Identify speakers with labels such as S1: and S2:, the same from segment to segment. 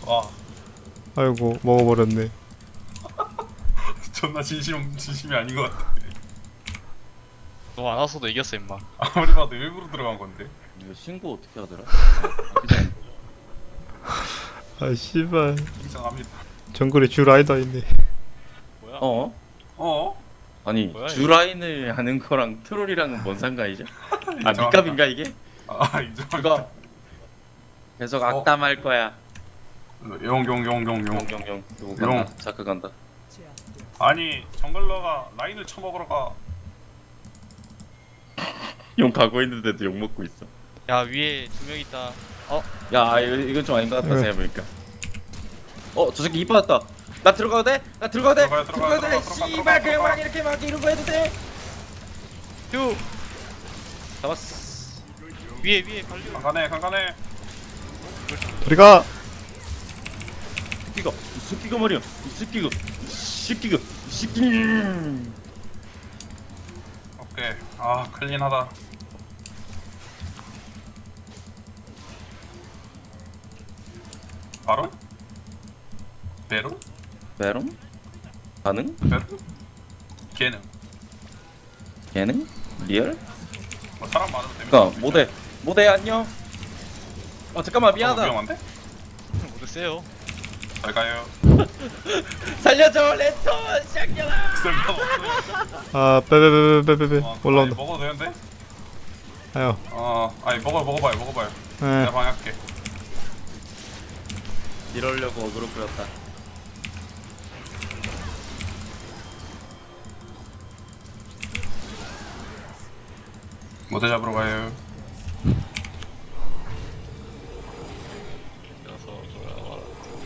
S1: 와
S2: 아이고 먹어버렸네.
S1: 존나 진심이 아닌 것 같아.
S3: 너 안 왔어도 이겼어 임마.
S1: 아무리 봐도 일부러 들어간 건데.
S4: 이거 신고 어떻게 하더라?
S2: 아 씨발
S1: 이상합니다.
S2: 정글에 주 라이더 있네.
S3: 뭐야?
S4: 어?
S1: 어?
S4: 아니
S3: 뭐야, 이거?
S4: 주라인을 하는 거랑 트롤이랑은 뭔 상관이죠? 아
S1: 인정합니다.
S4: 니값인가 이게?
S1: 아 인정합니다.
S4: 그거 계속 악담할 거야.
S1: 용용용용용.
S4: 용용용 이거
S1: 용.
S4: 간다. 자크 간다.
S1: 아니 정글러가 라인을 쳐먹으러 가.
S4: 용 가고 있는데도 욕 먹고 있어.
S3: 야 위에 두 명 있다.
S4: 야 이건 좀 아닌 것 같다
S2: 왜?
S4: 생각해보니까. 저 새끼 이빠졌다. 나 들어가도 돼? 나 들어가도 돼?
S1: 들어가요,
S4: 들어가도 돼?
S1: 들어가.
S4: 씨발 그냥 막 이렇게 막 이런 거 해도 돼?
S3: 휴
S4: 잡았어.
S3: 위에 발류.
S1: 간간해.
S2: 우리가
S4: 이 새끼가 말이야. 이 새끼가
S1: 오케이. 아 클린하다. 바로? 베로?
S4: 베롬? 가능?
S1: 베로? 걔는
S4: 걔는? 리얼?
S1: 뭐 사람 많으면 되면.
S4: 그니까 모대 안녕. 잠깐만 미안하다.
S1: 위험한데?
S3: 모두 세요.
S1: 잘 가요.
S4: 살려줘 랜턴 샹겨라.
S1: 쓸모없어요.
S2: 아 빼빼빼빼빼빼
S1: 아니,
S2: 올라온다.
S1: 먹어도 되는데?
S2: 아유
S1: 아니 먹어봐요.
S2: 에
S1: 내가 방해할게.
S4: 이러려고 어그로 끌었다.
S1: 모델 잡으러 가요.
S3: 그래서 돌아와라.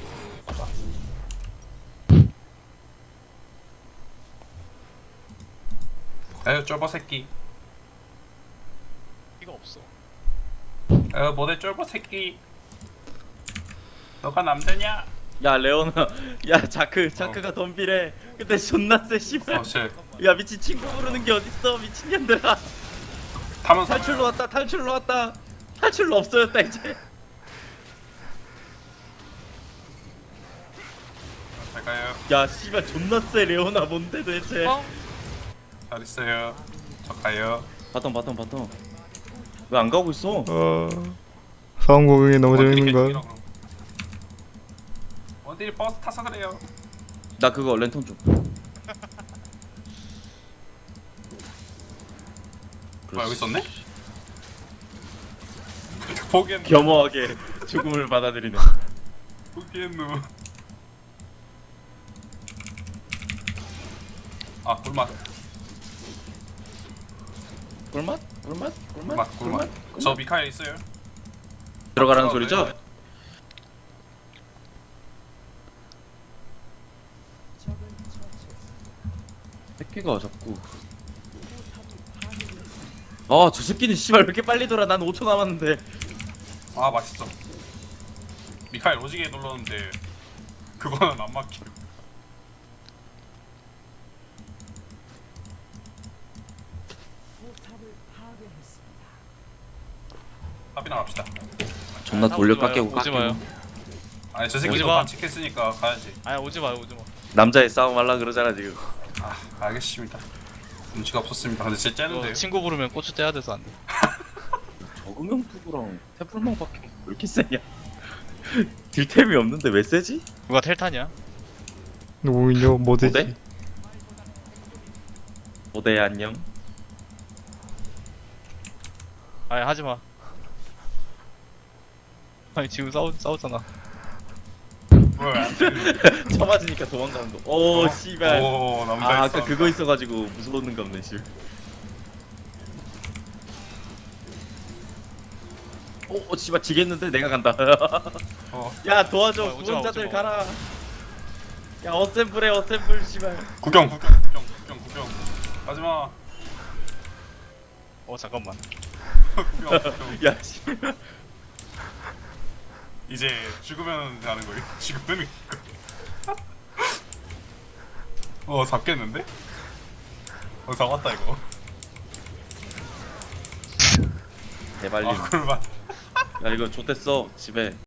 S1: 에휴 쫄보 새끼.
S3: 이거 없어.
S1: 에휴 모델 쫄보 새끼. 너가 남자냐?
S4: 야 레오나 야 자크가 덤비래. 근데 존나 세 씨발.
S1: 쟤
S4: 야 미친 친구 부르는 게 어딨어 미친년들아.
S1: 타면서
S4: 탈출로 왔다. 탈출로 없어졌다 이제.
S1: 잘 가요.
S4: 야 씨발 존나 세 레오나 뭔데 도대체.
S1: 잘 있어요. 저 가요.
S4: 바텀 왜 안 가고 있어?
S2: 싸움 구경이 너무 재밌는
S1: 원딜이
S2: 걸.
S1: 계속 원딜이 버스 타서 그래요.
S4: 나 그거 랜턴 좀.
S1: 뭐야 여기 있었네? 포기했누.
S4: 겸허하게 죽음을 받아들이네.
S1: 포기했누. 아 꿀맛. 꿀맛. 저 미카엘 있어요.
S4: 들어가라는 소리죠? 새끼가 자꾸. 저 새끼는 씨발 왜 이렇게 빨리 돌아? 난 5초 남았는데.
S1: 아 맛있어. 미카엘 오지게 눌렀는데 그거는 안 막혀. 합이나 갑시다.
S4: 존나 돌려 깎이고
S3: 오지 마요.
S1: 아니 저 새끼
S3: 오지
S1: 도
S3: 마.
S1: 반칙했으니까 가야지.
S3: 아니 오지 마요.
S4: 남자의 싸움 하려 그러잖아 지금.
S1: 아 알겠습니다. 눈치가 없었습니다. 근데 진짜
S3: 이거
S1: 째는데요.
S3: 친구 부르면 고추 떼야 돼서 안 돼.
S4: 적응형 투구랑 태블망밖에 왜 이렇게 세냐? 딜템이 없는데 왜 세지?
S3: 누가 텔탄이야?
S2: 누구인요? 뭐되지?
S4: 모대? 모대 안녕.
S3: 아니 하지 마. 아니 지금 싸웠잖아.
S1: 뭐야?
S4: 쳐맞으니까 도망가는 거. 오 씨발.
S1: 오 남자
S4: 아
S1: 있어.
S4: 아까 그거 있어가지고 무서웠는가 보네 씨. 오 씨발 지겠는데 내가 간다.
S1: 어.
S4: 야 도와줘
S3: 오지 마,
S4: 구원자들
S3: 오지 마.
S4: 가라. 야 어셈블 씨발.
S1: 구경. 하지마.
S3: 잠깐만.
S1: 구경.
S4: 야 씨발.
S1: 이제 죽으면 하는 거예요. 죽으면. 잡겠는데? 잡았다 이거.
S4: 대발림.
S1: 꿀맛.
S4: 야 이거 좆됐어 집에.